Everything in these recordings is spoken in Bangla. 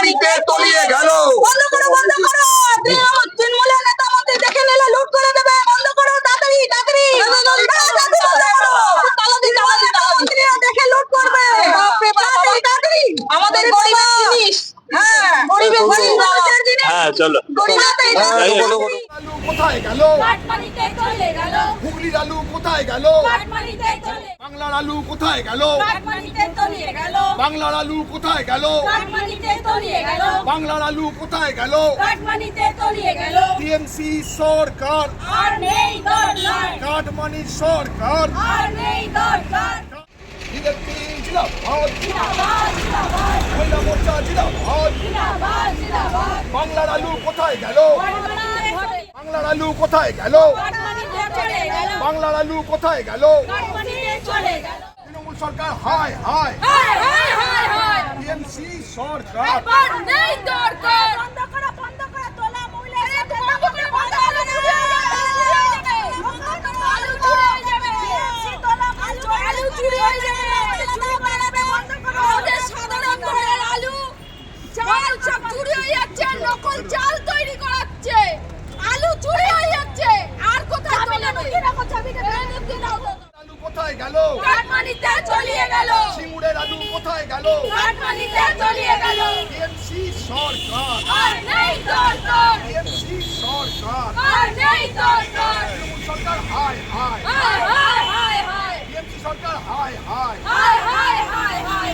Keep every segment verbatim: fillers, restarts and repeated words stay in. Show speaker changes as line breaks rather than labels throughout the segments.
মাটিতে তলিয়ে গেল।
বন্ধ করো বন্ধ করো তৃণমূলের নেতা মন্ত্রী দেখে নিলে লুট করে দেবে। বন্ধ করো তাড়াতাড়ি তাড়াতাড়ি মন্ত্রীরা দেখে লুট করবে। তাড়াতাড়ি তাড়াতাড়ি আমাদের গরিবের জিনিস। হ্যাঁ গরিবের জিনিস।
হ্যাঁ চলো
আলু কোথায় গেল?
কাটমানিতে চলে গেল।
হুগলির আলু কোথায় গেল?
কাটমানিতে চলে
বাংলার আলু কোথায় গেল?
কাটমানিতে তলিয়ে গেল।
বাংলার আলু কোথায় গেল?
কাটমানিতে তলিয়ে গেল।
বাংলার আলু কোথায় গেল?
কাটমানিতে তলিয়ে গেল।
টিএমসি সরকার,
আর নেই দরকার,
কাটমানির সরকার।
আর নেই দরকার।
বিজেপি জিন্দাবাদ,
জিন্দাবাদ জিন্দাবাদ
মহিলা মোর্চা জিন্দাবাদ।
জিন্দাবাদ জিন্দাবাদ।
বাংলার আলু কোথায় গেল?
কাটমানিতে চলে
বাংলার আলু কোথায় গেল?
কাটমানিতে চলে গেল।
বাংলার আলু কোথায় গেল?
কাটমানিতে চলে গেল।
তৃণমূল সরকার হায় হায়,
হায় হায় হায় হায়।
টিএমসি সরকার।
আর নেই দরকার। বন্ধ করো বন্ধ করো তোলা মহিলা সাথে বন্ধ করো বন্ধ করো চুরি হয়ে যাবে আলু চুরি হয়ে যাবে তোলা আলু আলু চুরি হয়ে যাবে চুরি বানাবে বন্ধ করো আমাদের সাধারণ ঘরের আলু চাল সব চুরি হয়ে যাচ্ছে নকল চাল তৈরি করাচ্ছে আলু চুরি হয়ে যাচ্ছে আর কোথায় তোলা কি রাখো চাবিটা কি দাও
আলু কোথায় গেল?
কাটমানিতে চলিয়ে গেল
সিঙ্গুরের আলু কোথায় গেল?
কাটমানিতে চলিয়ে গেল
টিএমসি সরকার,
আর নেই দরকার
টিএমসি সরকার।
আর নেই দরকার
তৃণমূল সরকার হায় হায়,
হায় হায় হায় হায়
টিএমসি সরকার হায় হায়।
হায় হায় হায় হায়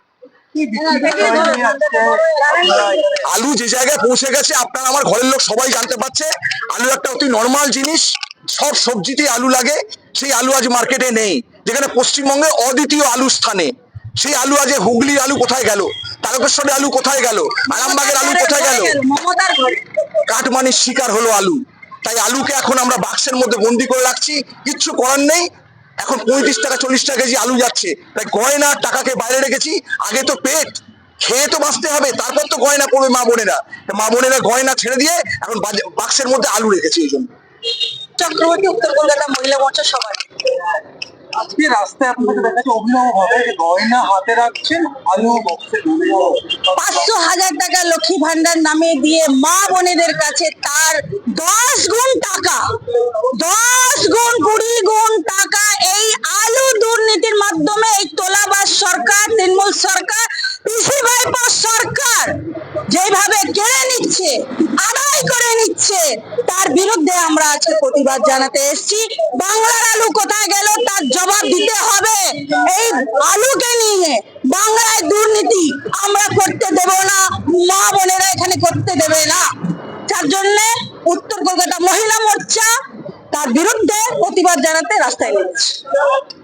আলু যে জায়গায় পৌঁছে গেছে আপনার আমার ঘরের লোক সবাই জানতে পারছে। আলু একটা অতি নর্মাল জিনিস, সব সবজিতেই আলু লাগে। সেই আলু আজ মার্কেটে নেই, যেখানে পশ্চিমবঙ্গে অদ্বিতীয় আলু স্থানে। সেই আলু আজ হুগলির আলু কোথায় গেল? তারকেশ্বরের আলু কোথায় গেল? আরামবাগের আলু কোথায় গেল?
মমতার ঘরে
কাটমানির শিকার হলো আলু। তাই আলুকে এখন আমরা বাক্সের মধ্যে বন্দি করে রাখছি, কিচ্ছু করার নেই। এখন পঁয়ত্রিশ টাকা চল্লিশ টাকা কেজি আলু যাচ্ছে, তাই গয়না টাকাকে বাইরে রেখেছি। আগে তো পেট খেয়ে তো বাঁচতে হবে, তারপর তো গয়না করবে মা বোনেরা। মা বোনেরা গয়না ছেড়ে দিয়ে এখন বাক্সের মধ্যে আলু রেখেছি। এই জন্য
চক্রবর্তী উত্তর কলকাতা মহিলা মোর্চা সবাই
আজকে রাস্তায় আপনাকে দেখা যাচ্ছে অভিনব ভাবে গয়না হাতে রাখছেন, আলু বক্সে ঢুকে
পাঁচশো হাজার টাকা লক্ষ্মী ভান্ডার নামে দিয়ে মা বোনেদের কাছে তার দশ গুণ টাকা দশ গুণ কুড়ি গুণ টাকা এই আলু দুর্নীতির মাধ্যমে এই তোলাবাজ সরকার, তৃণমূল সরকার, পিসি ভাইপো সরকার যেভাবে কেড়ে নিচ্ছে, আদায় করে নিচ্ছে, তার বিরুদ্ধে আমরা আজকে প্রতিবাদ জানাতে এসেছি। বাংলার আলু কোথায় গেল তার জবাব দিতে হবে। এই আলুকে নিয়ে বাংলায় দুর্নীতি আমরা করতে দেব না, মা বোনেরা এখানে করতে দেবে না। তার জন্য উত্তর কলকাতা মহিলা মোর্চা তার বিরুদ্ধে প্রতিবাদ জানাতে রাস্তায় নেমেছে।